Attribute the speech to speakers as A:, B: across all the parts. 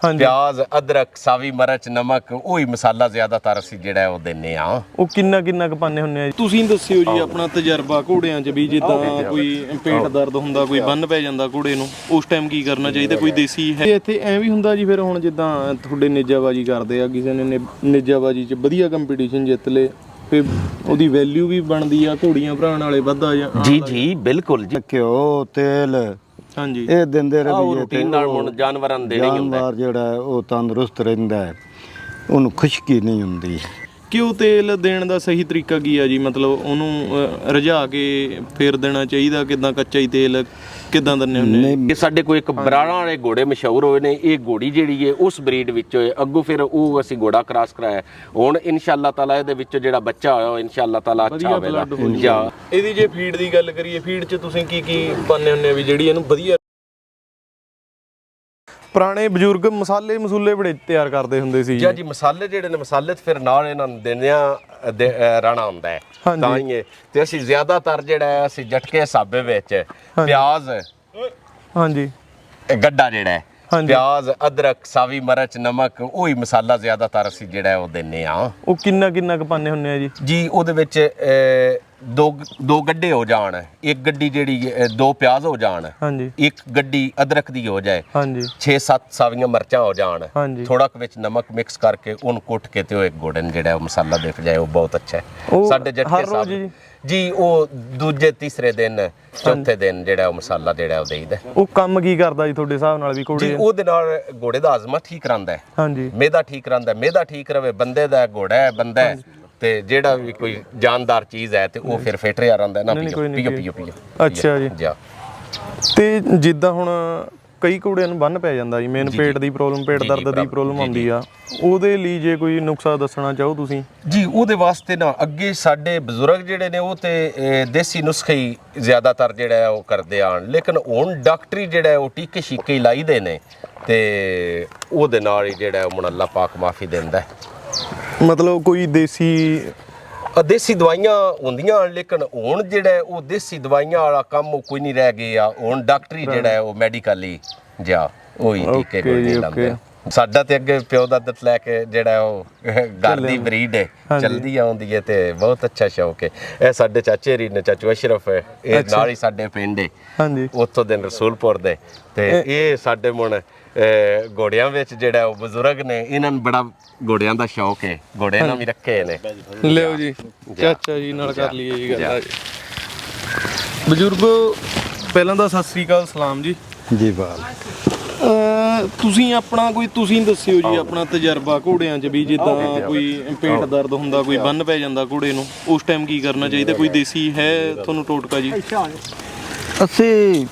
A: ਪਿਆਜ਼ ਅਦਰਕ ਸਾਵੀ ਮਿਰਚ ਨਮਕ ਉਹੀ ਮਸਾਲਾ ਜ਼ਿਆਦਾਤਰ ਅਸੀਂ ਜਿਹੜਾ ਉਹ ਦਿੰਨੇ ਆ।
B: ਉਹ ਕਿੰਨਾ ਕੁ ਪਾਉਂਦੇ ਹੁੰਦੇ ਆ ਜੀ? ਤੁਸੀਂ ਦੱਸਿਓ ਜੀ ਆਪਣਾ ਤਜਰਬਾ ਘੋੜਿਆਂ 'ਚ ਵੀ ਜਿੱਦਾਂ ਕੋਈ ਪੇਟ ਦਰਦ ਹੁੰਦਾ, ਕੋਈ ਬੰਨ ਪੈ ਜਾਂਦਾ ਘੋੜੇ ਨੂੰ, ਉਸ ਟਾਈਮ ਕੀ ਕਰਨਾ ਚਾਹੀਦਾ? ਕੋਈ ਦੇਸੀ ਹੈ ਇੱਥੇ ਐ ਵੀ ਹੁੰਦਾ ਜੀ? ਫਿਰ ਹੁਣ ਜਿੱਦਾਂ ਤੁਹਾਡੇ ਨੇਜਾਬਾਜੀ ਕਰਦੇ ਆ, ਕਿਸੇ ਨੇ ਨੇਜਾਬਾਜੀ 'ਚ ਵਧੀਆ ਕੰਪੀਟੀਸ਼ਨ ਜਿੱਤ ਲੇ, ਫਿਰ ਉਹਦੀ ਵੈਲਿਊ ਵੀ ਬਣਦੀ ਆ, ਘੋੜੀਆਂ ਭਰਾਉਣ ਵਾਲੇ ਵੱਧਾ ਜਾਂ?
A: ਜੀ ਬਿਲਕੁਲ ਜੀ।
C: ਘਿਓ ਤੇਲ
B: ਹਾਂਜੀ
C: ਇਹ ਦਿੰਦੇ ਰਹੀਏ
A: ਰੂਟੀਨ ਨਾਲ ਹੁਣ ਜਾਨਵਰਾਂ ਨੂੰ ਦੇਣਾ ਹੀ ਹੁੰਦਾ।
C: ਜਾਨਵਰ ਜਿਹੜਾ ਉਹ ਤੰਦਰੁਸਤ ਰਹਿੰਦਾ ਹੈ, ਉਹਨੂੰ ਖੁਸ਼ਕੀ ਨਹੀਂ ਹੁੰਦੀ।
B: ਘਿਓ ਤੇਲ ਦੇਣ ਦਾ ਸਹੀ ਤਰੀਕਾ ਕੀ ਆ ਜੀ? ਮਤਲਬ ਉਹਨੂੰ ਰਝਾ ਕੇ ਫੇਰ ਦੇਣਾ ਚਾਹੀਦਾ? ਕਿਦਾਂ ਕੱਚਾ ਹੀ ਤੇਲ ਕਿਦਾਂ ਦਿੰਦੇ ਹੁੰਦੇ?
A: ਇਹ ਸਾਡੇ ਕੋਲ ਇੱਕ ਬਰਾੜਾਂ ਵਾਲੇ ਘੋੜੇ ਮਸ਼ਹੂਰ ਹੋਏ ਨੇ। ਇਹ ਘੋੜੀ ਜਿਹੜੀ ਹੈ ਉਸ ਬਰੀਡ ਵਿੱਚ ਹੋਏ, ਅੱਗੋਂ ਫਿਰ ਉਹ ਅਸੀਂ ਘੋੜਾ ਕ੍ਰਾਸ ਕਰਾਇਆ। ਹੁਣ ਇਨਸ਼ਾਅੱਲਾ ਤਾਲਾ ਇਹਦੇ ਵਿੱਚ ਜਿਹੜਾ ਬੱਚਾ ਹੋਇਆ ਇਨਸ਼ਾਅੱਲਾ ਤਾਲਾ ਅੱਛਾ ਹੋਵੇਗਾ।
B: ਇਹਦੀ ਜੇ ਫੀਡ ਦੀ ਗੱਲ ਕਰੀਏ, ਫੀਡ 'ਚ ਤੁਸੀਂ ਕੀ ਪਾਉਂਦੇ ਹੁੰਦੇ ਵੀ ਜਿਹੜੀ ਇਹਨੂੰ ਵਧੀਆ? ਪੁਰਾਣੇ ਬਜ਼ੁਰਗ ਮਸਾਲੇ ਮਸੂਲੇ ਬੜੇ ਤਿਆਰ ਕਰਦੇ ਹੁੰਦੇ ਸੀ
A: ਜੀ। ਮਸਾਲੇ ਜਿਹੜੇ ਨੇ, ਮਸਾਲੇ ਤੇ ਫਿਰ ਨਾਲ ਇਹਨਾਂ ਨੂੰ ਦਿੰਦਿਆਂ ਰਾਣਾ ਹੁੰਦਾ ਹੈ ਤਾਂ ਹੀ। ਤੇ ਅਸੀਂ ਜ਼ਿਆਦਾਤਰ ਜਿਹੜਾ ਅਸੀਂ ਜਟਕੇ ਹਿਸਾਬੇ ਵਿੱਚ ਪਿਆਜ਼,
B: ਹਾਂਜੀ
A: ਗੱਡਾ ਜਿਹੜਾ ਹੈ, ਪਿਆਜ਼ ਅਦਰਕ ਸਾਵੀ ਮਿਰਚ ਨਮਕ ਉਹੀ ਮਸਾਲਾ ਜ਼ਿਆਦਾਤਰ ਅਸੀਂ ਜਿਹੜਾ ਉਹ ਦਿੰਨੇ ਆ।
B: ਉਹ ਕਿੰਨਾ ਕੁ ਪਾਉਂਦੇ ਹੁੰਦੇ ਆ ਜੀ?
A: ਜੀ ਉਹਦੇ ਵਿੱਚ ਦੋ ਗੱਡੇ ਹੋ ਜਾਣ, ਇੱਕ ਗੱਡੀ ਜਿਹੜੀ 2 ਪਿਆਜ਼ ਹੋ ਜਾਣ,
B: ਹਾਂਜੀ,
A: ਇੱਕ ਗੱਡੀ ਅਦਰਕ ਦੀ ਹੋ ਜਾਏ,
B: ਹਾਂਜੀ,
A: 6-7 ਸਾਵੀਆਂ ਮਿਰਚਾਂ ਹੋ ਜਾਣ,
B: ਹਾਂਜੀ,
A: ਥੋੜਾ ਕੁ ਵਿੱਚ ਨਮਕ ਮਿਕਸ ਕਰਕੇ ਉਹਨੂੰ ਕੁੱਟ ਕੇ ਤੇ ਉਹ ਇੱਕ ਘੋੜੇ ਨੂੰ ਜਿਹੜਾ ਉਹ ਮਸਾਲਾ ਦਿਖ ਜਾਏ, ਉਹ ਬਹੁਤ ਅੱਛਾ ਹੈ। ਸਾਡੇ ਜੱਟੇ ਸਾਹਿਬ ਜੀ ਉਹ ਦੂਜੇ ਤੀਸਰੇ ਦਿਨ ਚੌਥੇ ਦਿਨ ਜਿਹੜਾ ਉਹ ਮਸਾਲਾ ਜਿਹੜਾ ਉਹ ਦੇਈਦਾ।
B: ਉਹ ਕੰਮ ਕੀ ਕਰਦਾ ਜੀ ਤੁਹਾਡੇ ਹਿਸਾਬ ਨਾਲ ਵੀ ਘੋੜੇ?
A: ਜੀ ਉਹਦੇ ਨਾਲ ਘੋੜੇ ਦਾ ਹਾਜ਼ਮਾ ਠੀਕ ਰਹਿੰਦਾ ਹੈ,
B: ਹਾਂਜੀ,
A: ਮਿਹਦਾ ਠੀਕ ਰਹਿੰਦਾ, ਮਿਹਦਾ ਠੀਕ ਰਵੇ, ਬੰਦੇ ਦਾ ਘੋੜਾ ਹੈ ਬੰਦਾ ਹੈ ਤੇ ਜਿਹੜਾ ਵੀ ਕੋਈ ਜਾਨਦਾਰ ਚੀਜ਼ ਹੈ ਤੇ ਉਹ ਫਿਰ ਫਿੱਟ ਰਿਹਾ ਰਹਿੰਦਾ ਨਾ। ਪੀਓ।
B: ਅੱਛਾ ਜੀ। ਤੇ ਜਿੱਦਾਂ ਹੁਣ ਕਈ ਘੋੜਿਆਂ ਨੂੰ ਬੰਨ ਪੈ ਜਾਂਦਾ ਜੀ, ਮੇਨ ਪੇਟ ਦੀ ਪ੍ਰੋਬਲਮ, ਪੇਟ ਦਰਦ ਦੀ ਪ੍ਰੋਬਲਮ ਆਉਂਦੀ ਆ, ਉਹਦੇ ਲਈ ਜੇ ਕੋਈ ਨੁਕਸਾ ਦੱਸਣਾ ਚਾਹੋ ਤੁਸੀਂ? ਜੀ
A: ਉਹਦੇ ਵਾਸਤੇ ਨਾ ਅੱਗੇ ਸਾਡੇ ਬਜ਼ੁਰਗ ਜਿਹੜੇ ਨੇ ਉਹ ਤੇ ਦੇਸੀ ਨੁਸਖੇ ਹੀ ਜ਼ਿਆਦਾਤਰ ਜਿਹੜਾ ਉਹ ਕਰਦੇ ਆਣ, ਲੇਕਿਨ ਹੁਣ ਡਾਕਟਰੀ ਜਿਹੜਾ ਉਹ ਟੀਕੇ ਸ਼ੀਕੇ ਹੀ ਲਾਈਦੇ ਨੇ ਤੇ ਉਹਦੇ ਨਾਲ ਹੀ ਜਿਹੜਾ ਉਹ ਅੱਲਾਹ ਪਾਕ ਮਾਫੀ ਦਿੰਦਾ।
B: ਮਤਲਬ ਕੋਈ ਦੇਸੀ
A: ਦਵਾਈਆਂ ਹੁੰਦੀਆਂ, ਲੇਕਿਨ ਹੁਣ ਜਿਹੜਾ ਉਹ ਦੇਸੀ ਦਵਾਈਆਂ ਵਾਲਾ ਕੰਮ ਕੋਈ ਨਹੀਂ ਰਹਿ ਗਿਆ। ਹੁਣ ਡਾਕਟਰੀ ਜਿਹੜਾ ਉਹ ਮੈਡੀਕਲੀ ਜਾਂ ਉਹੀ ਟੀਕੇ ਕੋਈ ਲਾਉਂਦੇ। ਸਾਡਾ ਤੇ ਅੱਗੇ ਪਿਓ ਦਾ ਦੱਤ ਲੈ ਕੇ ਜਿਹੜਾ ਉਹ ਘਰ ਦੀ ਬਰੀਡ ਹੈ ਚਲਦੀ ਆਉਂਦੀ ਹੈ ਤੇ ਬਹੁਤ ਅੱਛਾ ਸ਼ੌਕ ਹੈ। ਇਹ ਸਾਡੇ ਚਾਚੇ ਰੀ ਨੇ, ਚਾਚੂ ਅਸ਼ਰਫ ਹੈ, ਇਹ ਨਾਲ ਹੀ ਸਾਡੇ ਪਿੰਡ ਹੈ, ਹਾਂਜੀ, ਉੱਥੋਂ ਦੇ ਰਸੂਲਪੁਰ ਦੇ। ਤੇ ਇਹ ਸਾਡੇ ਮੁੰਨ ਘੋੜਿਆਂ ਵਿੱਚ ਜਿਹੜਾ ਉਹ ਬਜ਼ੁਰਗ ਨੇ, ਇਹਨਾਂ ਨੂੰ ਬੜਾ ਘੋੜਿਆਂ ਦਾ ਸ਼ੌਕ ਹੈ, ਘੋੜੇ ਨਾਲ ਵੀ ਰੱਖੇ ਨੇ।
B: ਲਿਓ ਜੀ ਚਾਚਾ ਜੀ ਨਾਲ ਕਰ ਲਈਏ ਜੀ ਗੱਲ। ਬਜ਼ੁਰਗੋ ਪਹਿਲਾਂ ਤਾਂ ਸਤਿ ਸ੍ਰੀ ਅਕਾਲ, ਸਲਾਮ ਜੀ।
C: ਜੀ ਬਾਲ
B: ਤੁਸੀਂ ਆਪਣਾ ਤੁਸੀਂ ਦੱਸਿਓ ਜੀ ਆਪਣਾ ਤਜਰਬਾ ਘੋੜਿਆਂ 'ਚ ਵੀ, ਜਿੱਦਾਂ ਕੋਈ ਪੇਟ ਦਰਦ ਹੁੰਦਾ, ਕੋਈ ਬੰਨ ਪੈ ਜਾਂਦਾ ਘੋੜੇ ਨੂੰ, ਉਸ ਟਾਈਮ ਕੀ ਕਰਨਾ ਚਾਹੀਦਾ? ਕੋਈ ਦੇਸੀ ਹੈ ਤੁਹਾਨੂੰ ਟੋਟਕਾ ਜੀ?
C: ਅਸੀਂ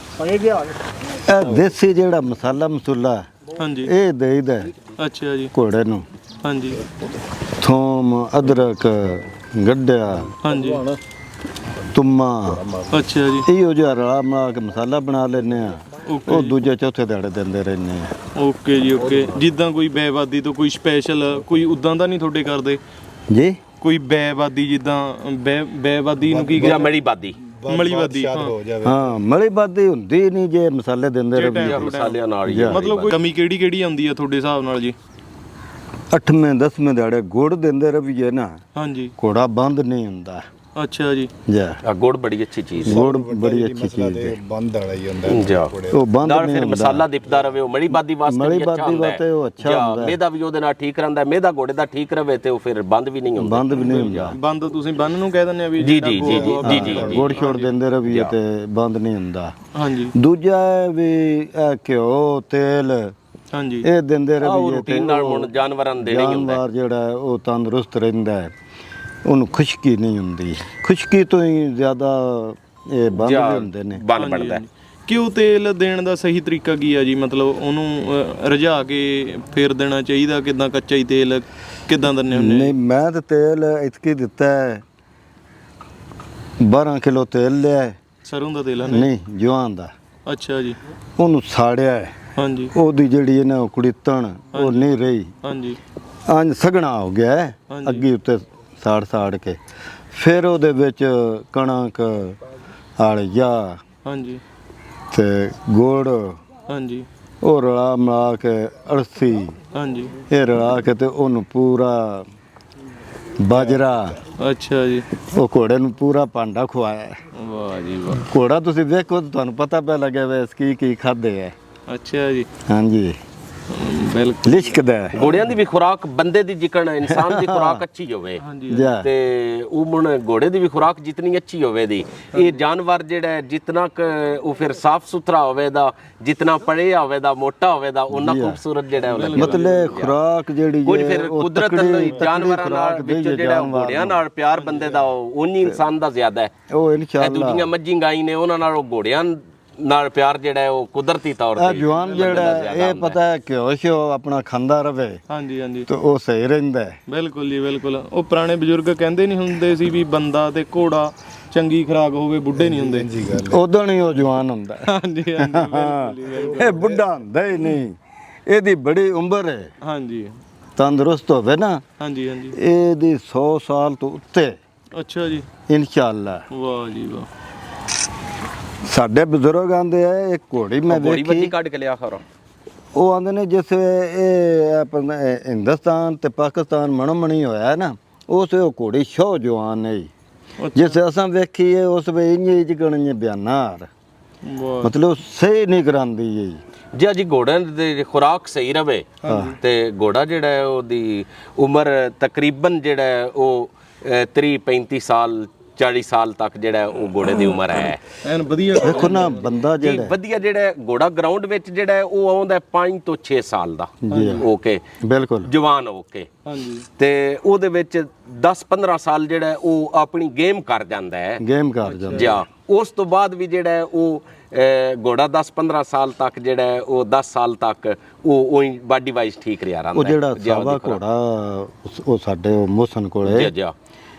C: ਇਹ ਦੇਸੀ ਜਿਹੜਾ ਮਸਾਲਾ
B: ਹਾਂਜੀ
C: ਇਹ ਦੇਈਦਾ।
B: ਅੱਛਾ ਜੀ।
C: ਘੋੜੇ ਨੂੰ
B: ਹਾਂਜੀ,
C: ਥੋਮ ਅਦਰਕ ਗੱਡਿਆ, ਹਾਂਜੀ, ਤੁਮਾ,
B: ਅੱਛਾ ਜੀ,
C: ਇਹੋ ਜਿਹਾ ਰਲਾ ਮਿਲਾ ਕੇ ਮਸਾਲਾ ਬਣਾ ਲੈਂਦੇ ਆ, ਉਹ ਦੂਜੇ ਚੌਥੇ ਦਿਹਾੜੇ ਦਿੰਦੇ ਰਹਿੰਦੇ ਆ।
B: ਓਕੇ ਜੀ ਓਕੇ। ਜਿੱਦਾਂ ਕੋਈ ਬੈਵਾਦੀ ਤੋਂ ਕੋਈ ਸਪੈਸ਼ਲ ਕੋਈ ਉਦਾਂ ਦਾ ਨਹੀਂ ਤੁਹਾਡੇ ਕਰਦੇ
C: ਜੀ?
B: ਕੋਈ ਬੈਵਾਦੀ, ਜਿੱਦਾਂ ਬੈਵਾਦੀ ਨੂੰ ਕੀ ਕਹਿੰਦੇ?
A: ਮਲੀਬਾਦੀ।
B: ਮਲੀਬਾਦੀ,
C: ਹਾਂ, ਮਲੀਬਾਦੀ ਹੁੰਦੀ ਨਹੀਂ ਜੇ ਮਸਾਲੇ ਦਿੰਦੇ ਰਹੇ
A: ਮਸਾਲਿਆਂ ਨਾਲ ਹੀ।
B: ਮਤਲਬ ਕੋਈ ਕਮੀ ਕਿਹੜੀ ਆਉਂਦੀ ਆ ਤੁਹਾਡੇ ਹਿਸਾਬ ਨਾਲ ਜੀ?
C: 8ਵੇਂ 10ਵੇਂ ਦਿਹਾੜੇ ਗੁੜ ਦਿੰਦੇ ਰਹੀਏ ਨਾ,
B: ਹਾਂਜੀ,
C: ਘੋੜਾ ਬੰਦ ਨਹੀਂ ਹੁੰਦਾ।
B: ਅੱਛਾ ਜੀ।
C: ਜਾ
A: ਗੁੜ ਬੜੀ ਅੱਛੀ ਚੀਜ਼ ਹੈ,
C: ਗੁੜ ਬੜੀ ਅੱਛੀ ਚੀਜ਼ ਹੈ,
D: ਬੰਦ ਵਾਲਾ ਹੀ ਹੁੰਦਾ
C: ਉਹ ਬੰਦ
A: ਨਾਲ ਫਿਰ ਮਸਾਲਾ ਦਿਪਦਾ ਰਵੇ, ਉਹ ਮਲੀਬਾਦੀ ਵਾਸਤੇ ਵੀ ਅੱਛਾ ਹੁੰਦਾ।
C: ਉਹ ਅੱਛਾ ਹੁੰਦਾ,
A: ਮਿਹਦਾ ਵੀ ਉਹਦੇ ਨਾਲ ਠੀਕ ਰਹਿੰਦਾ, ਮਿਹਦਾ ਘੋੜੇ ਦਾ ਠੀਕ ਰਵੇ ਤੇ ਉਹ ਫਿਰ ਬੰਦ ਵੀ ਨਹੀਂ ਹੁੰਦਾ।
C: ਬੰਦ ਵੀ ਨਹੀਂ ਹੁੰਦਾ।
B: ਬੰਦ ਤੁਸੀਂ ਬੰਨ ਨੂੰ ਕਹਿ ਦਿੰਦੇ ਆ ਵੀ?
A: ਜੀ ਜੀ ਜੀ ਜੀ ਜੀ।
C: ਗੁੜ ਛੋੜ ਦਿੰਦੇ ਰਹੀਏ ਤੇ ਬੰਦ ਨਹੀਂ ਹੁੰਦਾ।
B: ਹਾਂਜੀ।
C: ਦੂਜਾ ਵੀ ਘਿਓ ਤੇਲ,
B: ਹਾਂਜੀ,
C: ਇਹ ਦਿੰਦੇ ਰਹੀਏ
A: ਰੂਟੀਨ ਨਾਲ ਹੁਣ ਜਾਨਵਰਾਂ ਨੂੰ ਦੇਣਾ ਹੀ ਹੁੰਦਾ।
C: ਜਾਨਵਰ ਜਿਹੜਾ ਉਹ ਤੰਦਰੁਸਤ ਰਹਿੰਦਾ ਹੈ, ਉਹਨੂੰ ਖੁਸ਼ਕੀ ਨਹੀਂ ਹੁੰਦੀ। ਖੁਸ਼ਕੀ ਤੋਂ ਹੀ ਜ਼ਿਆਦਾ ਇਹ ਬੰਦ ਵੀ ਹੁੰਦੇ ਨੇ,
A: ਬੰਨ ਬਣਦਾ।
B: ਘਿਓ ਤੇਲ ਦੇਣ ਦਾ ਸਹੀ ਤਰੀਕਾ ਕੀ ਆ ਜੀ? ਮਤਲਬ ਉਹਨੂੰ ਰਝਾ ਕੇ ਫੇਰ ਦੇਣਾ ਚਾਹੀਦਾ? ਕਿਦਾਂ ਕੱਚਾ ਹੀ ਤੇਲ ਕਿਦਾਂ ਦਿੰਦੇ ਹੁੰਦੇ?
C: ਨਹੀਂ, ਮੈਂ ਤਾਂ ਤੇਲ ਇਤਕੀ ਦਿੱਤਾ ਹੈ, 12 ਕਿਲੋ ਤੇਲ ਲਿਆ।
B: ਸਰੋਂ ਦਾ ਤੇਲ?
C: ਨਹੀਂ, ਜਵਾਨ ਦਾ।
B: ਅੱਛਾ ਜੀ।
C: ਉਹਨੂੰ ਸਾੜਿਆ ਹੈ,
B: ਹਾਂਜੀ,
C: ਉਹਦੀ ਜਿਹੜੀ ਨਾ ਕੁੜੀਤਣ ਉਹ ਨਹੀਂ ਰਹੀ,
B: ਹਾਂਜੀ,
C: ਅੰਜ ਸਗਣਾ ਹੋ ਗਿਆ ਹੈ, ਅੱਗੇ ਉੱਤੇ ਸਾੜ ਕੇ ਫਿਰ ਉਹਦੇ ਵਿੱਚ ਕਣਕ ਆਲਿਆ,
B: ਹਾਂਜੀ,
C: ਤੇ ਗੁੜ,
B: ਹਾਂਜੀ,
C: ਉਹ ਰਲਾ ਮਿਲਾ ਕੇ ਅਲਸੀ
B: ਹਾਂਜੀ
C: ਇਹ ਰਲਾ ਕੇ ਤੇ ਉਹਨੂੰ ਪੂਰਾ ਬਾਜਰਾ
B: ਅੱਛਾ ਜੀ
C: ਉਹ ਘੋੜੇ ਨੂੰ ਪੂਰਾ ਭਾਂਡਾ ਖਵਾਇਆ।
B: ਵਾਹ ਜੀ ਵਾਹ
C: ਘੋੜਾ ਤੁਸੀਂ ਵੇਖੋ ਤਾਂ ਤੁਹਾਨੂੰ ਪਤਾ ਪਿਆ ਲੱਗਿਆ ਵੇ ਕੀ ਖਾਦੇ ਹੈ।
B: ਅੱਛਾ ਜੀ
C: ਹਾਂਜੀ
B: ਬਿਲਕੁਲ
C: ਲਿਸ਼ਕਦਾ ਹੈ।
A: ਘੋੜਿਆਂ ਦੀ ਵੀ ਖੁਰਾਕ ਬੰਦੇ ਦੀ ਜਿਕਣ ਇਨਸਾਨ ਦੀ ਖੁਰਾਕ ਅੱਛੀ ਹੋਵੇ
C: ਜਾ
A: ਤੇ ਉਹ ਹੁਣ ਘੋੜੇ ਦੀ ਵੀ ਖੁਰਾਕ ਜਿਤਨੀ ਅੱਛੀ ਹੋਵੇ ਦੀ ਇਹ ਜਾਨਵਰ ਜਿਹੜਾ ਹੈ, ਜਿਤਨਾ ਉਹ ਫਿਰ ਸਾਫ ਸੁਥਰਾ ਹੋਵੇ ਦਾ, ਜਿਤਨਾ ਪੜਿਆ ਹੋਵੇ ਦਾ, ਮੋਟਾ ਹੋਵੇ ਦਾ, ਉਹਨਾਂ ਖੂਬਸੂਰਤ ਜਿਹੜਾ ਉਹ ਲੱਗੇਗਾ।
C: ਮਤਲਬ ਖੁਰਾਕ ਜਿਹੜੀ
A: ਕੋਈ
C: ਹੈ
A: ਫਿਰ
C: ਉਹ
A: ਕੁਦਰਤ
C: ਤਕੜੀ
A: ਜਾਨਵਰਾਂ ਨਾਲ
C: ਖੁਰਾਕ
A: ਵਿੱਚ
C: ਦੇਈਏ
A: ਜਿਹੜਾ ਘੋੜਿਆਂ ਨਾਲ ਪਿਆਰ ਬੰਦੇ ਦਾ ਉਨੀ ਇਨਸਾਨ ਦਾ ਜ਼ਿਆਦਾ ਹੈ।
C: ਉਹ
A: ਇਹ
C: ਇਨਸ਼ਾਅੱਲਾ
A: ਦੂਜੀਆਂ ਮੱਝੀ ਗਾਈ ਨੇ ਉਹਨਾਂ ਨਾਲ ਉਹ ਘੋੜਿਆਂ ਨਾਲ ਪਿਆਰ ਜਿਹੜਾ ਹੈ ਉਹ ਕੁਦਰਤੀ ਤੌਰ
C: ਇਹ
A: ਤੇ
C: ਜਵਾਨ ਜਿਹੜਾ ਹੈ, ਇਹ ਪਤਾ ਹੈ ਕਿ ਹੋਸ਼ੋ ਆਪਣਾ ਖਾਂਦਾ ਰਵੇ
B: ਹਾਂਜੀ ਹਾਂਜੀ
C: ਤੇ ਉਹ ਸਹੀ ਰਹਿੰਦਾ ਹੈ।
B: ਬਿਲਕੁਲ ਜੀ ਬਿਲਕੁਲ। ਉਹ ਪੁਰਾਣੇ ਬਜ਼ੁਰਗ ਕਹਿੰਦੇ ਨਹੀਂ ਹੁੰਦੇ ਸੀ ਵੀ ਬੰਦਾ ਤੇ ਘੋੜਾ ਚੰਗੀ ਖੁਰਾਕ ਹੋਵੇ ਬੁੱਢੇ ਨਹੀਂ ਹੁੰਦੇ।
C: ਉਦੋਂ ਨਹੀਂ ਉਹ ਜਵਾਨ ਹੁੰਦਾ ਹੈ।
B: ਹਾਂਜੀ ਹਾਂਜੀ ਬਿਲਕੁਲ ਜੀ, ਬਿਲਕੁਲ।
C: ਇਹ ਬੁੱਢਾ ਹੁੰਦਾ ਹੀ ਨਹੀਂ, ਇਹਦੀ ਬੜੀ ਉਮਰ ਹੈ,
B: ਹਾਂਜੀ
C: ਤੰਦਰੁਸਤ ਹੋਵੇ ਨਾ,
B: ਹਾਂਜੀ ਹਾਂਜੀ
C: ਇਹਦੀ 100 ਸਾਲ ਤੋਂ ਉੱਤੇ
B: ਅੱਛਾ ਜੀ
C: ਇਨਸ਼ਾਅੱਲਾ।
B: ਵਾਹ ਜੀ ਵਾਹ
C: ਸਾਡੇ ਬਜ਼ੁਰਗ ਆਂਦੇ ਆ ਇੱਕ ਘੋੜੀ ਮੈਂ
A: ਘੋੜੀ ਵੱਡੀ
C: ਵੇਖੀ,
A: ਕੱਢ ਕੇ ਲਿਆ ਖਰੋ
C: ਉਹ ਆਂਦੇ ਨੇ ਜਿਸ ਵੇਲੇ ਇਹ ਆਪਣਾ ਹਿੰਦੁਸਤਾਨ ਤੇ ਪਾਕਿਸਤਾਨ ਮਣਮਣੀ ਹੋਇਆ ਨਾ, ਉਸ ਵੇਲੇ ਉਹ ਘੋੜੀ ਸ਼ੋ ਜਵਾਨ ਹੈ। ਜਿਸ ਅਸਾਂ ਵੇਖੀਏ ਉਸ ਵੇ ਇੰਜ ਜਿਗਣ ਬਿਆਨਾਰ
B: ਵਾਹ
C: ਮਤਲਬ ਸਹੀ ਨਹੀਂ ਕਰਾਂਦੀ ਹੈ।
A: ਜੇ ਜੀ ਘੋੜਿਆਂ ਦੀ ਖੁਰਾਕ ਸਹੀ ਰਵੇ ਤੇ ਘੋੜਾ ਜਿਹੜਾ ਹੈ ਉਹਦੀ ਉਮਰ ਤਕਰੀਬਨ ਜਿਹੜਾ ਹੈ ਉਹ 30 35 ਸਾਲ 40 ਸਾਲ ਤੱਕ ਜਿਹੜਾ ਹੈ ਉਹ ਘੋੜੇ ਦੀ ਉਮਰ ਹੈ।
B: ਐਨ ਵਧੀਆ
C: ਦੇਖੋ ਨਾ ਬੰਦਾ
A: ਜੀ
C: ਜਿਹੜਾ
A: ਵਧੀਆ ਜਿਹੜਾ ਹੈ ਘੋੜਾ ਗਰਾਊਂਡ ਵਿੱਚ ਜਿਹੜਾ ਹੈ ਉਹ ਆਉਂਦਾ 5 ਤੋਂ 6 ਸਾਲ ਦਾ ਓਕੇ
C: ਬਿਲਕੁਲ
A: ਜਵਾਨ ਓਕੇ
B: ਹਾਂਜੀ
A: ਤੇ ਉਹਦੇ ਵਿੱਚ 10-15 ਸਾਲ ਜਿਹੜਾ ਹੈ ਉਹ ਆਪਣੀ ਗੇਮ ਕਰ ਜਾਂਦਾ ਹੈ
C: ਗੇਮ ਕਰ ਜਾਂਦਾ।
A: ਜਾਂ ਉਸ ਤੋਂ ਬਾਅਦ ਵੀ ਜਿਹੜਾ ਹੈ ਉਹ ਘੋੜਾ 10-15 ਸਾਲ ਤੱਕ ਜਿਹੜਾ ਹੈ ਉਹ 10 ਸਾਲ ਤੱਕ ਉਹ ਬਾਡੀ ਵਾਈਜ਼ ਠੀਕ ਰਿਹਾ ਰਹਿੰਦਾ
C: ਉਹ ਜਿਹੜਾ ਸਾਵਾ ਘੋੜਾ ਉਹ ਸਾਡੇ ਉਹ ਮੋਸਨ ਕੋਲੇ
A: ਜੀ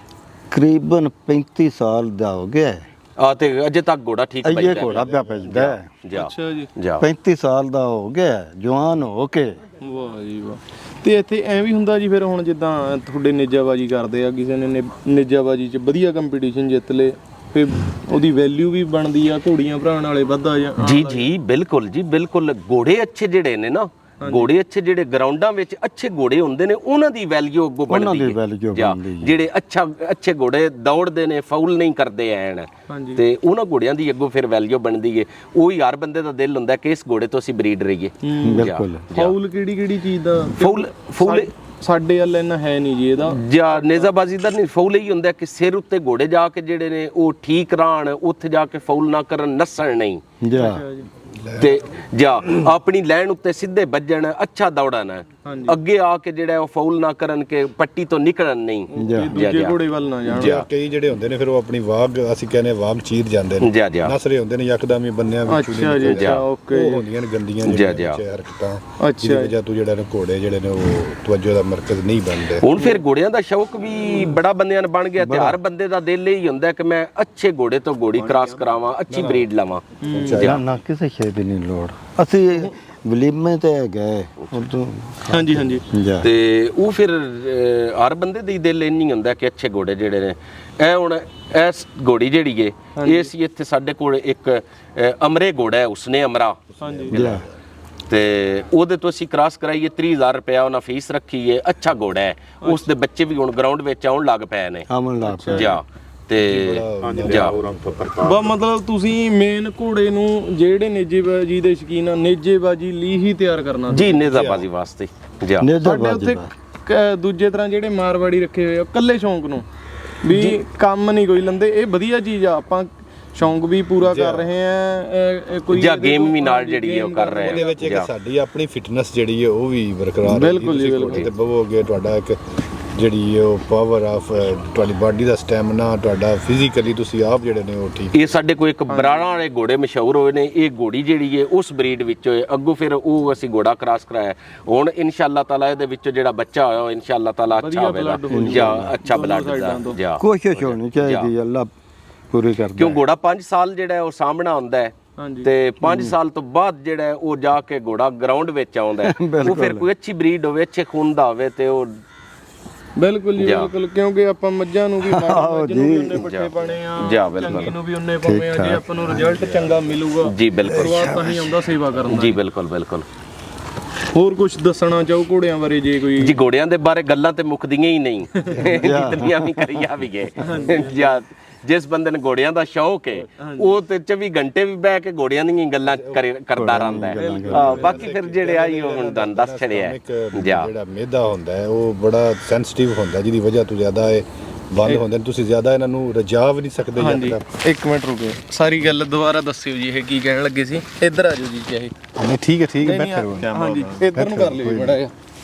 C: ਕਰੀਬਨ 35 ਸਾਲ ਦਾ ਹੋ ਗਿਆ ਹੈ।
A: ਆ ਤੇ ਅਜੇ ਤੱਕ ਘੋੜਾ ਠੀਕ
C: ਇਹ
A: ਬੈਠਾ
C: ਘੋੜਾ ਪਿਆ ਪੈਂਦਾ ਹੈ।
A: ਜਾ
B: ਅੱਛਾ ਜੀ
A: ਜਾ
C: 35 ਸਾਲ ਦਾ ਹੋ ਗਿਆ ਹੈ, ਜਵਾਨ ਹੋ ਕੇ।
B: ਵਾਹ ਜੀ ਵਾਹ। ਤੇ ਇੱਥੇ ਐ ਵੀ ਹੁੰਦਾ ਜੀ ਫਿਰ ਹੁਣ ਜਿੱਦਾਂ ਤੁਹਾਡੇ ਨੇਜਾਬਾਜੀ ਕਰਦੇ ਆ, ਕਿਸੇ ਨੇ ਨੇਜਾਬਾਜੀ 'ਚ ਵਧੀਆ ਕੰਪੀਟੀਸ਼ਨ ਜਿੱਤ ਲੇ ਫਿਰ ਉਹਦੀ ਵੈਲਿਊ ਵੀ ਬਣਦੀ ਆ, ਘੋੜੀਆਂ ਭਰਾਉਣ ਵਾਲੇ ਵੱਧਾ ਜਾਂ
A: ਜੀ ਜੀ ਬਿਲਕੁਲ ਜੀ ਬਿਲਕੁਲ। ਘੋੜੇ ਅੱਛੇ ਜਿਹੜੇ ਨੇ ਨਾ, ਘੋੜੇ ਅੱਛੇ ਜਿਹੜੇ ਗਰਾਊਂਡਾਂ ਵਿੱਚ ਅੱਛੇ ਘੋੜੇ ਹੁੰਦੇ ਨੇ ਉਹਨਾਂ ਦੀ ਵੈਲਿਊ ਅੱਗੋਂ
C: ਉਹਨਾਂ
A: ਬਣਦੀ
C: ਦੀ
A: ਹੈ
C: ਵੈਲਿਊ
A: ਜਾਂ
C: ਬਣਦੀ ਹੈ।
A: ਜਿਹੜੇ ਅੱਛੇ ਘੋੜੇ ਦੌੜਦੇ ਨੇ, ਫਾਉਲ ਨਹੀਂ ਕਰਦੇ ਐਨ,
B: ਹਾਂਜੀ
A: ਤੇ ਉਹਨਾਂ ਘੋੜਿਆਂ ਦੀ ਅੱਗੋਂ ਫਿਰ ਵੈਲਿਊ ਬਣਦੀ ਹੈ। ਉਹੀ ਹਰ ਬੰਦੇ ਦਾ ਦਿਲ ਹੁੰਦਾ ਕਿ ਇਸ ਘੋੜੇ ਤੋਂ ਅਸੀਂ ਬਰੀਡ ਰਹੀਏ।
C: ਬਿਲਕੁਲ
B: ਫਾਉਲ ਕਿਹੜੀ ਚੀਜ਼ ਦਾ
A: ਫਾਉਲ
B: ਸਾਡੇ ਵੱਲ ਇੰਨਾ ਹੈ ਨਹੀਂ ਜੀ ਇਹਦਾ।
A: ਜਾਂ ਨੇਜ਼ਾਬਾਜ਼ੀ ਦਾ ਨਹੀਂ, ਫਾਉਲ ਹੀ ਹੁੰਦਾ ਕਿ ਸਿਰ ਉੱਤੇ ਘੋੜੇ ਜਾ ਕੇ ਜਿਹੜੇ ਨੇ ਉਹ ਠੀਕ ਰਹਿਣ, ਉੱਥੇ ਜਾ ਕੇ ਫਾਉਲ ਨਾ ਕਰਨ, ਨੱਸਣ ਨਹੀਂ
C: ਜਾ
A: ਤੇ ਜਾਂ ਆਪਣੀ ਲਾਈਨ ਉੱਤੇ ਸਿੱਧੇ ਵੱਜਣ, ਅੱਛਾ ਦੌੜਨ, ਅੱਗੇ ਆ ਕੇ ਜਿਹੜਾ ਉਹ ਫਾਉਲ ਨਾ ਕਰਨ ਕਿ ਪੱਟੀ ਤੋਂ ਨਿਕਲਣ ਨਹੀਂ।
B: ਦੂਜੇ ਘੋੜੇ ਵੱਲ ਨਾ ਜਾਣ।
D: ਕਈ ਜਿਹੜੇ ਹੁੰਦੇ ਨੇ ਫਿਰ ਉਹ ਆਪਣੀ ਵਾਗ, ਅਸੀਂ ਕਹਿੰਦੇ ਵਾਗ ਚੀਰ ਜਾਂਦੇ ਨੇ,
A: ਜਾ
D: ਨਸਰੇ ਹੁੰਦੇ ਨੇ ਯਕਦਮ ਹੀ ਬੰਨਿਆਂ ਵਿੱਚ।
B: ਅੱਛਾ ਜੀ ਅੱਛਾ ਓਕੇ।
D: ਉਹ ਹੁੰਦੀਆਂ ਨੇ ਗੰਦੀਆਂ ਜਿਹੜੀਆਂ ਹਰਕਤਾਂ, ਜਿਹਦੀ ਵਜ੍ਹਾ ਤੋਂ ਜਿਹੜਾ ਘੋੜੇ ਜਿਹੜੇ ਨੇ ਉਹ ਤਵੱਜੋ ਦਾ ਮਰਕਜ਼ ਨਹੀਂ ਬਣਦੇ।
A: ਹੁਣ ਫਿਰ ਘੋੜਿਆਂ ਦਾ ਸ਼ੌਕ ਵੀ ਬੜਾ ਬੰਦਿਆਂ ਨੂੰ ਬਣ ਗਿਆ ਤੇ ਹਰ ਬੰਦੇ ਦਾ ਦਿਲ ਹੀ ਹੁੰਦਾ ਕਿ ਮੈਂ ਅੱਛੇ ਘੋੜੇ ਤੋਂ ਘੋੜੀ ਕ੍ਰਾਸ ਕਰਾਵਾਂ, ਅੱਛੀ ਬਰੀਡ ਲਵਾਂ।
C: ਨਾ ਕਿਸੇ ਸ਼ੈ ਦੀ ਨਹੀਂ ਲੋੜ। ਅਸੀਂ ਵਲੀਮੇ ਤੇ ਗਏ ਉਦੋਂ।
B: ਹਾਂਜੀ ਹਾਂਜੀ
A: ਤੇ ਉਹ ਫਿਰ ਹਰ ਬੰਦੇ ਦੇ ਦਿਲ ਇੰਨੀ ਹੁੰਦਾ ਕਿ ਅੱਛੇ ਘੋੜੇ ਜਿਹੜੇ ਨੇ। ਇਹ ਹੁਣ ਇਸ ਘੋੜੀ ਜਿਹੜੀ ਏ ਇਹ ਸੀ ਇੱਥੇ ਸਾਡੇ ਕੋਲ ਇੱਕ ਅਮਰੇ ਘੋੜਾ ਹੈ, ਉਸਨੇ ਅਮਰਾ ਤੇ ਉਹਦੇ ਤੋਂ ਅਸੀਂ ਕ੍ਰਾਸ ਕਰਾਈਏ 30,000 ਰੁਪਇਆ ਉਹਨਾਂ ਫੀਸ ਰੱਖੀ ਏ। ਅੱਛਾ ਘੋੜਾ ਹੈ, ਉਸ ਦੇ ਬੱਚੇ ਵੀ ਹੁਣ ਗਰਾਊਂਡ ਵਿੱਚ ਆਉਣ ਲੱਗ ਪਏ ਨੇ। ਜਾ ਤੇ ਜਾ
B: ਮਤਲਬ ਤੁਸੀਂ ਮੇਨ ਘੋੜੇ ਨੂੰ ਜਿਹੜੇ ਨੇਜੇਬਾਜੀ ਦੇ ਸ਼ੌਕੀਨ ਆ, ਨੇਜੇਬਾਜੀ ਲਈ ਹੀ ਤਿਆਰ ਕਰਨਾ
A: ਜੀ, ਨੇਜ਼ਾਬਾਜ਼ੀ ਵਾਸਤੇ। ਜਾ
B: ਸਾਡੇ ਉੱਥੇ ਦੂਜੇ ਤਰ੍ਹਾਂ ਜਿਹੜੇ ਮਾਰਵਾੜੀ ਰੱਖੇ ਹੋਏ ਆ ਕੱਲੇ ਸ਼ੌਂਕ ਨੂੰ ਵੀ ਕੰਮ ਨਹੀਂ ਕੋਈ ਲੰਦੇ। ਇਹ ਵਧੀਆ ਚੀਜ਼ ਆ, ਆਪਾਂ ਸ਼ੌਂਕ ਵੀ ਪੂਰਾ ਕਰ ਰਹੇ ਆ, ਕੋਈ
A: ਜਾਂ ਗੇਮ ਵੀ ਨਾਲ ਜਿਹੜੀ ਹੈ ਉਹ ਕਰ ਰਹੇ ਆ।
D: ਉਹਦੇ ਵਿੱਚ ਇੱਕ ਸਾਡੀ ਆਪਣੀ ਫਿਟਨੈਸ ਜਿਹੜੀ ਹੈ ਉਹ ਵੀ ਬਰਕਰਾਰ ਹੈ।
B: ਬਿਲਕੁਲ ਜੀ ਬਿਲਕੁਲ।
D: ਤੇ ਬਵੋਗੇ ਤੁਹਾਡਾ ਇੱਕ ਜਿਹੜੀ ਉਹ ਪਾਵਰ ਆਫ ਤੁਹਾਡੀ ਬਾਡੀ ਦਾ ਸਟੈਮਿਨਾ, ਤੁਹਾਡਾ ਫਿਜ਼ੀਕਲੀ ਤੁਸੀਂ ਆਪ ਜਿਹੜੇ ਨੇ ਉਹ ਠੀਕ।
A: ਇਹ ਸਾਡੇ ਕੋਲ ਇੱਕ ਬਰਾੜਾਂ ਵਾਲੇ ਘੋੜੇ ਮਸ਼ਹੂਰ ਹੋਏ ਨੇ। ਇਹ ਘੋੜੀ ਜਿਹੜੀ ਹੈ ਉਸ ਬਰੀਡ ਵਿੱਚ ਹੋਏ, ਅੱਗੋਂ ਫਿਰ ਉਹ ਅਸੀਂ ਘੋੜਾ ਕ੍ਰਾਸ ਕਰਾਇਆ। ਹੁਣ ਇਨਸ਼ਾਅੱਲਾ ਤਾਲਾ ਇਹਦੇ ਵਿੱਚੋਂ ਜਿਹੜਾ ਬੱਚਾ ਹੋਇਆ ਉਹ ਇਨਸ਼ਾਅੱਲਾ ਤਾਲਾ ਅੱਛਾ ਹੋਵੇਗਾ ਜਾਂ ਅੱਛਾ ਬਲੱਡ ਦਾ ਜਾਂ
C: ਕੋਸ਼ਿਸ਼ ਹੋਣੀ ਚਾਹੀਦੀ, ਅੱਲਾ ਪੂਰੀ ਕਰਦਾ।
A: ਕਿਉਂ ਘੋੜਾ 5 ਸਾਲ ਜਿਹੜਾ ਹੈ ਉਹ ਸਾਹਮਣਾ ਹੁੰਦਾ ਹੈ ਤੇ 5 ਸਾਲ ਤੋਂ ਬਾਅਦ ਜਿਹੜਾ ਹੈ ਉਹ ਜਾ ਕੇ ਘੋੜਾ ਗਰਾਊਂਡ ਵਿੱਚ ਆਉਂਦਾ ਹੈ। ਉਹ ਫਿਰ ਕੋਈ ਅੱਛੀ ਬਰੀਡ ਹੋਵੇ, ਅੱਛੇ ਖੂਨ ਦਾ ਹੋਵੇ ਤੇ ਉਹ
B: ਬਿਲਕੁਲ ਜੀ ਬਿਲਕੁਲ, ਕਿਉਂਕਿ ਆਪਾਂ ਮੱਝਾਂ ਨੂੰ ਵੀ ਮੱਝ ਨੂੰ ਵੀ ਉਹਨੇ ਪੱਠੇ ਪਾਣੇ ਆ,
A: ਜਾ ਬਿਲਕੁਲ
B: ਚੰਗੀ ਨੂੰ ਵੀ ਉਹਨੇ ਪਾਉਣੇ ਆ। ਜੇ ਆਪਾਂ ਨੂੰ ਰਿਜ਼ਲਟ ਚੰਗਾ ਮਿਲੂਗਾ
A: ਜੀ ਬਿਲਕੁਲ
B: ਸ਼ੁਰੂਆਤ ਤਾਂ ਹੀ ਆਉਂਦਾ ਸੇਵਾ ਕਰਨ ਦਾ।
A: ਜੀ ਬਿਲਕੁਲ ਬਿਲਕੁਲ।
B: ਹੋਰ ਕੁਝ ਦੱਸਣਾ ਚਾਹੋ ਘੋੜਿਆਂ ਬਾਰੇ ਜੇ ਕੋਈ?
A: ਜੀ ਘੋੜਿਆਂ ਦੇ ਬਾਰੇ ਗੱਲਾਂ ਤੇ ਮੁੱਕਦੀਆਂ ਹੀ ਨਹੀਂ ਜਿਤਨੀਆਂ ਵੀ ਕਰੀਆਂ ਵੀ ਗਏ। ਜਾਂ ਜਿਸ ਬੰਦੇ ਨੂੰ ਘੋੜਿਆਂ ਦਾ ਸ਼ੌਕ ਹੈ ਉਹ ਤੇ 24 ਘੰਟੇ ਵੀ ਬਹਿ ਕੇ ਘੋੜਿਆਂ ਦੀਆਂ ਗੱਲਾਂ ਕਰਦਾ ਰਹਿੰਦਾ ਹੈ। ਬਾਕੀ ਫਿਰ ਜਿਹੜੇ ਆਈ ਉਹ ਹੁਣ ਤੁਹਾਨੂੰ ਦੱਸ ਛੜਿਆ
D: ਜਿਹੜਾ ਮਿਹਦਾ ਹੁੰਦਾ ਹੈ ਉਹ ਬੜਾ ਸੈਂਸਿਟਿਵ ਹੁੰਦਾ, ਜਿਹਦੀ ਵਜ੍ਹਾ ਤੋਂ ਜ਼ਿਆਦਾ ਇਹ ਬੰਦ ਹੁੰਦੇ ਨੇ, ਤੁਸੀਂ ਜ਼ਿਆਦਾ ਇਹਨਾਂ ਨੂੰ ਰਜਾ ਵੀ ਨਹੀਂ ਸਕਦੇ।
B: ਹਾਂਜੀ ਇੱਕ ਮਿੰਟ ਰੁਕੋ, ਸਾਰੀ ਗੱਲ ਦੁਬਾਰਾ ਦੱਸਿਓ ਜੀ, ਇਹ ਕੀ ਕਹਿਣ ਲੱਗੇ ਸੀ? ਇੱਧਰ ਆ ਜਾਓ ਜੀ ਚਾਹੇ।
D: ਨਹੀਂ ਠੀਕ ਹੈ ਬੈਠੋ।
B: ਹਾਂਜੀ ਇੱਧਰ ਨੂੰ ਕਰ ਲਿਓ ਬੜਾ।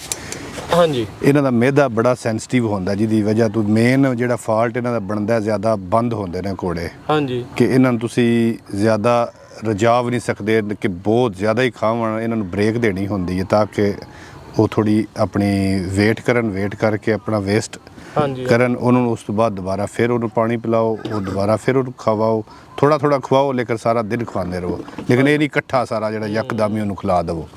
B: ਹਾਂਜੀ
D: ਇਹਨਾਂ ਦਾ ਮਿਹਦਾ ਬੜਾ ਸੈਂਸਿਟਿਵ ਹੁੰਦਾ, ਜਿਹਦੀ ਵਜ੍ਹਾ ਤੋਂ ਮੇਨ ਜਿਹੜਾ ਫਾਲਟ ਇਹਨਾਂ ਦਾ ਬਣਦਾ ਜ਼ਿਆਦਾ ਬੰਦ ਹੁੰਦੇ ਨੇ ਘੋੜੇ।
B: ਹਾਂਜੀ
D: ਕਿ ਇਹਨਾਂ ਨੂੰ ਤੁਸੀਂ ਜ਼ਿਆਦਾ ਰਜਾ ਵੀ ਨਹੀਂ ਸਕਦੇ ਕਿ ਬਹੁਤ ਜ਼ਿਆਦਾ ਹੀ ਖਾਵਣ, ਇਹਨਾਂ ਨੂੰ ਬ੍ਰੇਕ ਦੇਣੀ ਹੁੰਦੀ ਹੈ ਤਾਂ ਕਿ ਉਹ ਥੋੜੀ ਆਪਣੀ ਵੇਟ ਕਰਕੇ ਆਪਣਾ ਵੇਸਟ ਕਰਨ। ਉਹਨੂੰ ਉਸ ਤੋਂ ਬਾਅਦ ਦੁਬਾਰਾ ਫਿਰ ਉਹਨੂੰ ਪਾਣੀ ਪਿਲਾਓ, ਉਹ ਦੁਬਾਰਾ ਫਿਰ ਉਹਨੂੰ ਖਵਾਓ, ਥੋੜਾ ਖਵਾਓ, ਲੇਕਿਨ ਸਾਰਾ ਦਿਨ ਖਵਾਉਂਦੇ ਰਹੋ। ਲੇਕਿਨ ਇਹ ਨਹੀਂ ਇਕੱਠਾ ਸਾਰਾ ਜਿਹੜਾ ਯਕਦਮ ਹੀ ਉਹਨੂੰ ਖਿਲਾ ਦੇਵੋ।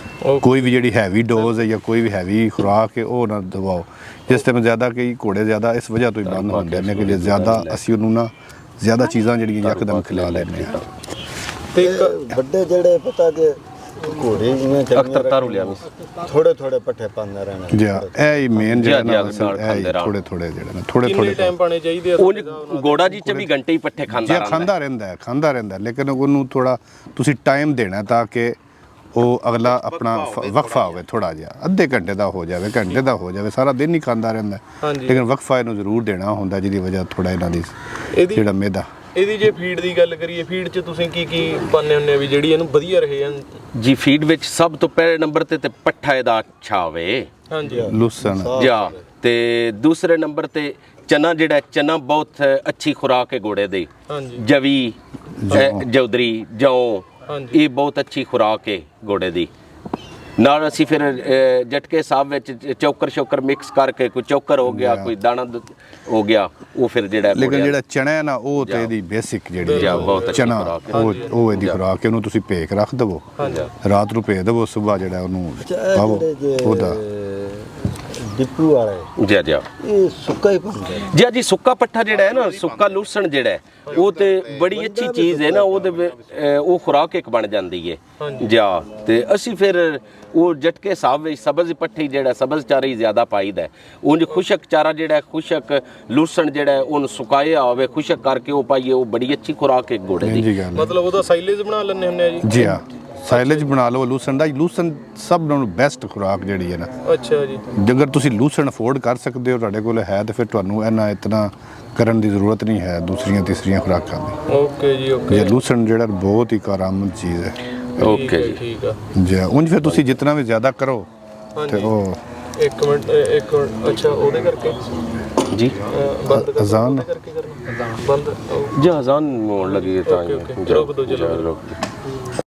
D: ਕੋਈ ਵੀ ਜਿਹੜੀ ਹੈਵੀ ਡੋਜ਼ ਹੈ ਜਾਂ ਕੋਈ ਵੀ ਹੈਵੀ ਖੁਰਾਕ ਹੈ ਉਹ ਨਾ ਦਵਾਓ। ਜਿਸ ਟਾਈਮ ਜ਼ਿਆਦਾ ਕਈ ਘੋੜੇ ਜ਼ਿਆਦਾ ਇਸ ਵਜ੍ਹਾ ਤੋਂ ਹੀ ਬੰਦ ਹੁੰਦੇ ਨੇ ਕਿ ਜੇ ਜ਼ਿਆਦਾ ਅਸੀਂ ਉਹਨੂੰ ਨਾ ਜ਼ਿਆਦਾ ਚੀਜ਼ਾਂ ਜਿਹੜੀਆਂ ਯਕਦਮ ਖਿਲਾ ਲੈਂਦੇ ਹਾਂ।
C: ਤੇ ਵੱਡੇ ਜਿਹੜੇ ਪਤਾ ਕਿ ਘੋੜੇ ਜਿਵੇਂ
A: ਅਖਤਰ ਤਾਰੂ ਲਿਆ
C: ਥੋੜੇ ਪੱਠੇ ਪਾਉਂਦੇ ਰਹਿਣਾ
D: ਜੀ ਇਹ ਹੀ ਮੇਨ ਜਿਹੜਾ ਨਾ ਥੋੜੇ ਜਿਹੜੇ ਨੇ ਥੋੜੇ
B: ਟਾਈਮ ਪਾਣੇ ਚਾਹੀਦੇ ਆ?
A: ਉਹ ਘੋੜਾ ਜੀ 24 ਘੰਟੇ ਹੀ ਪੱਠੇ
D: ਖਾਂਦਾ ਰਹਿੰਦਾ ਲੇਕਿਨ ਉਹਨੂੰ ਥੋੜਾ ਤੁਸੀਂ ਟਾਈਮ ਦੇਣਾ ਤਾਂ ਕਿ ਉਹ ਅਗਲਾ ਆਪਣਾ ਵਕਫਾ ਹੋਵੇ, ਥੋੜਾ ਜਿਹਾ ਅੱਧੇ ਘੰਟੇ ਦਾ ਹੋ ਜਾਵੇ, ਘੰਟੇ ਦਾ ਹੋ ਜਾਵੇ, ਸਾਰਾ ਦਿਨ ਹੀ ਖਾਂਦਾ ਰਹਿੰਦਾ ਲੇਕਿਨ ਵਕਫਾ ਇਹਨੂੰ ਜ਼ਰੂਰ ਦੇਣਾ ਹੁੰਦਾ, ਜਿਹਦੀ ਵਜ੍ਹਾ ਥੋੜਾ ਇਹਨਾਂ ਦੀ ਜਿਹੜਾ ਮਿਹਦਾ।
B: ਇਹਦੀ ਜੇ ਫੀਡ ਦੀ ਗੱਲ ਕਰੀਏ, ਫੀਡ 'ਚ ਤੁਸੀਂ ਕੀ ਪਾਉਂਦੇ ਹੁੰਦੇ ਆ ਵੀ ਜਿਹੜੀ ਇਹਨੂੰ ਵਧੀਆ ਰਹੇ?
A: ਜੀ ਫੀਡ ਵਿੱਚ ਸਭ ਤੋਂ ਪਹਿਲੇ ਨੰਬਰ ਤੇ ਪੱਠਾ ਇਹਦਾ ਅੱਛਾ ਹੋਵੇ,
B: ਹਾਂਜੀ
D: ਲੂਸਣ
A: ਜਾਂ ਤੇ ਦੂਸਰੇ ਨੰਬਰ ਤੇ ਚਨਾ, ਜਿਹੜਾ ਚਨਾ ਬਹੁਤ ਅੱਛੀ ਖੁਰਾਕ ਹੈ ਘੋੜੇ ਦੀ। ਜਵੀ, ਜੌਦਰੀ, ਜੌਂ, ਇਹ ਬਹੁਤ ਅੱਛੀ ਖੁਰਾਕ ਹੈ ਘੋੜੇ ਦੀ। ਨਾਲ ਅਸੀਂ ਫਿਰ ਜਟਕੇ ਸਾਹਿਬ ਵਿੱਚ ਚੌਕਰ ਮਿਕਸ ਕਰਕੇ, ਕੋਈ ਚੌਕਰ ਹੋ ਗਿਆ, ਕੋਈ ਦਾਣਾ ਹੋ ਗਿਆ, ਉਹ ਫਿਰ ਜਿਹੜਾ
D: ਲੇਕਿਨ ਜਿਹੜਾ ਚਨਾ ਹੈ ਨਾ ਉਹ ਤੇ ਇਹਦੀ ਬੇਸਿਕ ਜਿਹੜੀ ਚਨਾ ਉਹ ਇਹਦੀ ਖੁਰਾਕ, ਉਹਨੂੰ ਤੁਸੀਂ ਭੇਕ ਰੱਖ ਦੇਵੋ, ਰਾਤ ਨੂੰ ਭੇਜ ਦੇਵੋ, ਸਵੇਰ ਜਿਹੜਾ ਉਹਨੂੰ ਪਾਵੋ ਉਹਦਾ
C: ਡਿਪੂ ਵਾਲੇ
A: ਜੀ
C: ਇਹ ਸੁੱਕਾ ਹੀ ਪਾਉਂਦੇ
A: ਜੀ ਸੁੱਕਾ ਪੱਠਾ ਜਿਹੜਾ ਹੈ ਨਾ, ਸੁੱਕਾ ਲੂਸਣ ਜਿਹੜਾ ਹੈ ਉਹ ਤੇ ਬੜੀ ਅੱਛੀ ਚੀਜ਼ ਹੈ ਨਾ, ਉਹਦੇ ਉਹ ਖੁਰਾਕ ਇੱਕ ਬਣ ਜਾਂਦੀ ਹੈ ਜਾਂ। ਤੇ ਅਸੀਂ ਫਿਰ ਉਹ ਜਟਕੇ ਸਾਹਿਬ ਵਿੱਚ ਸਬਜ਼ ਪੱਠੀ ਜਿਹੜਾ ਸਬਜ਼ ਚਾਰਾ ਹੀ ਜ਼ਿਆਦਾ ਪਾਈਦਾ। ਉਂਝ ਖੁਸ਼ਕ ਚਾਰਾ ਜਿਹੜਾ ਖੁਸ਼ਕ ਲੂਸਣ ਜਿਹੜਾ ਉਹਨੂੰ ਸੁਕਾਇਆ ਹੋਵੇ, ਖੁਸ਼ਕ ਕਰਕੇ ਉਹ ਪਾਈਏ, ਉਹ ਬੜੀ ਅੱਛੀ ਖੁਰਾਕ ਹੈ ਘੋੜੇ ਦੀ।
B: ਮਤਲਬ ਉਹਦਾ ਸਾਈਲੇਜ ਬਣਾ ਲੈਂਦੇ ਹੁੰਦੇ ਆ
D: ਜੀ ਹਾਂ, ਸਾਈਲੇਜ ਬਣਾ ਲਓ ਲੂਸਣ ਦਾ। ਲੂਸਣ ਸਭ ਨਾਲੋਂ ਬੈਸਟ ਖੁਰਾਕ ਜਿਹੜੀ ਹੈ ਨਾ।
B: ਅੱਛਾ ਜੀ,
D: ਜੇਕਰ ਤੁਸੀਂ ਲੂਸਣ ਅਫੋਰਡ ਕਰ ਸਕਦੇ ਹੋ, ਤੁਹਾਡੇ ਕੋਲ ਹੈ, ਤੇ ਫਿਰ ਤੁਹਾਨੂੰ ਇਤਨਾ ਕਰਨ ਦੀ ਜ਼ਰੂਰਤ ਨਹੀਂ ਹੈ ਦੂਸਰੀਆਂ ਤੀਸਰੀਆਂ ਖੁਰਾਕਾਂ ਦੀ।
B: ਓਕੇ ਜੀ ਓਕੇ।
D: ਇਹ ਲੂਸਣ ਜਿਹੜਾ ਬਹੁਤ ਹੀ ਕਾਰਾਮਦ ਚੀਜ਼ ਹੈ।
A: ਓਕੇ ਜੀ
B: ਠੀਕ ਆ
D: ਜੀ। ਉਂਝ ਫਿਰ ਤੁਸੀਂ ਜਿੰਨਾ ਵੀ ਜ਼ਿਆਦਾ ਕਰੋ ਤੇ ਉਹ
B: ਇੱਕ ਮਿੰਟ ਅੱਛਾ ਉਹਦੇ ਕਰਕੇ
A: ਜੀ
D: ਅਜ਼ਾਨ
B: ਕਰਕੇ ਕਰਨਾ ਬੰਦ
A: ਜੀ, ਅਜ਼ਾਨ ਹੋਣ ਲੱਗੀ ਤਾਂ
B: ਰੋਕ ਦੋ ਚਲੋ।